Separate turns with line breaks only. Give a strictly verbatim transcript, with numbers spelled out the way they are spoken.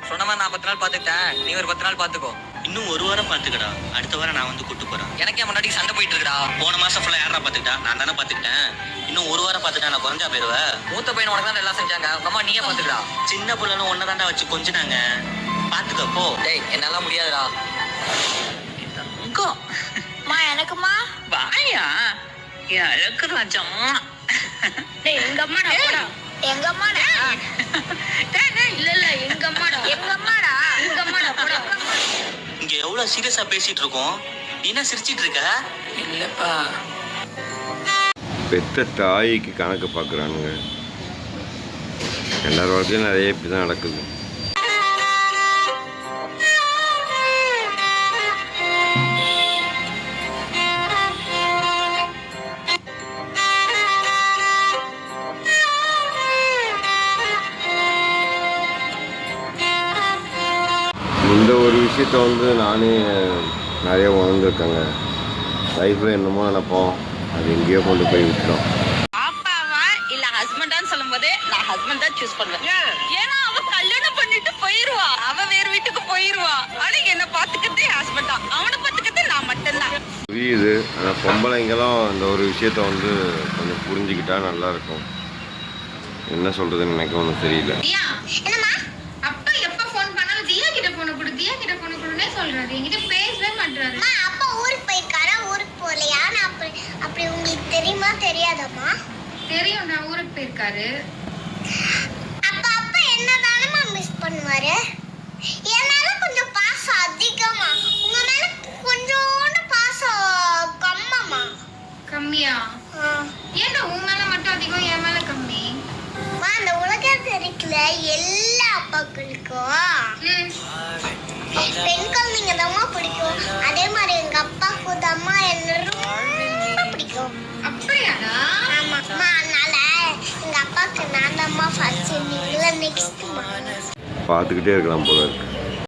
சொன்ன மாதிரி நான் பத்து நாள் பாத்துக்கிட்டேன், நீ ஒரு பத்து நாள் பாத்துக்கோ.
இன்னும் ஒரு வாரம் பாத்துக்கடா, அடுத்த வாரம் நான் வந்து கூட்டு போறேன்.
எனக்கே முன்னாடி சண்டை போயிட்டு இருக்குடா.
போன மாசம் ஃபுல்லா யாரா பாத்துக்கிட்டா? நான் தானே பாத்துக்கிட்டேன். இன்னும் ஒரு வாரம் பாத்துட்டா நான் குறைஞ்சா போயிருவேன்.
மூத்த பையன் உனக்கு தான் எல்லாம் செஞ்சாங்க, உங்க அம்மா நீயே பாத்துக்கடா.
சின்ன பிள்ளைன்னு ஒன்னதாண்டா வச்சு கொஞ்சினாங்க, பாத்துக்க போ.
டேய் என்னால முடியாதுடா.
மா எனக்குமா
வாயா என் அழகு ராஜம்மா.
டேய் எங்க அம்மாடா போடா. எங்க அம்மாடா டேய் டேய் இல்ல இல்ல எங்க அம்மாடா எங்க அம்மாடா எங்க அம்மாடா போடா.
இங்க எவ்வளவு சீரியஸா பேசிட்டு இருக்கோம், நீ என்ன சிரிச்சிட்டு இருக்க?
இல்லப்பா
பெத்த தாய்க்கு கணக்கு பார்க்குறானுங்க. எல்லார் வாழ்க்கையும் நிறைய இப்படி தான் நடக்குது. இந்த ஒரு விஷயத்த வந்து நானே நிறைய உணர்ந்துருக்கேங்க. லைஃப்பில் என்னமோ நினைப்போம், அது எங்கேயோ கொண்டு போய் விட்டோம்.
பாப்பாவா இல்ல ஹஸ்பண்டான்னு சொல்லும் போதே நான் ஹஸ்பண்ட் தான் சூஸ் பண்ணுவேன். ஏன்னா அவ கல்யாணம் பண்ணிட்டு போயிருவா, அவ வேற வீட்டுக்கு போயிருவா. ஆனா என்ன பாத்துக்கிறதே ஹஸ்பண்ட் தான், அவனை பாத்துக்கிறதே நான் மட்டும்தான்.
புரியுது, ஆனால் பொம்பளைங்களும் இந்த ஒரு விஷயத்த வந்து கொஞ்சம் புரிஞ்சுக்கிட்டா நல்லா இருக்கும். என்ன சொல்கிறதுன்னு எனக்கு ஒன்றும் தெரியல.
தியா என்னம்மா? அப்பா எப்ப ஃபோன் பண்ணாலும் தியா கிட்ட போன் கொடு, தியா கிட்ட போன் கொடுனே சொல்றாரு. என்கிட்ட பேசவே மாட்டாரு.
அம்மா அப்பா ஊருக்கு போயிருக்காரா, ஊருக்கு போகலையா? நான் அப்படி அப்படி உங்களுக்கு தெரியுமா தெரியாதம்மா?
தெரியும், நான் ஊருக்கு போயிருக்காரு.
அப்ப அப்பா என்னதானமா மிஸ் பண்ணுவாரு? என் மேல கொஞ்சம் பாசம் அதிகமா, உங்க மேல கொஞ்சோண்டு பாசம் கம்மமா.
கம்மியா? ஏன்டா உன் மேல மட்டும் அதிகம், என் மேல கம்மி?
அம்மா, அந்த உலகத்துல இருக்கிற எல்லா அப்பாக்களுக்கும்
ம்.
பெண் குழந்தைங்க தான்மா பிடிக்கும். அதே மாதிரி எங்க அப்பாவுக்கு தான்மா என்ன ரொம்ப பிடிக்கும்.
அப்படியாடா?
ஆமா அம்மா, அதனால எங்க அப்பாவுக்கு நான் தான்மா ஃபர்ஸ்ட், நீங்கள நெக்ஸ்ட்மா.
பார்த்துக்கிட்டே இருக்கலாம் போல இருக்கு.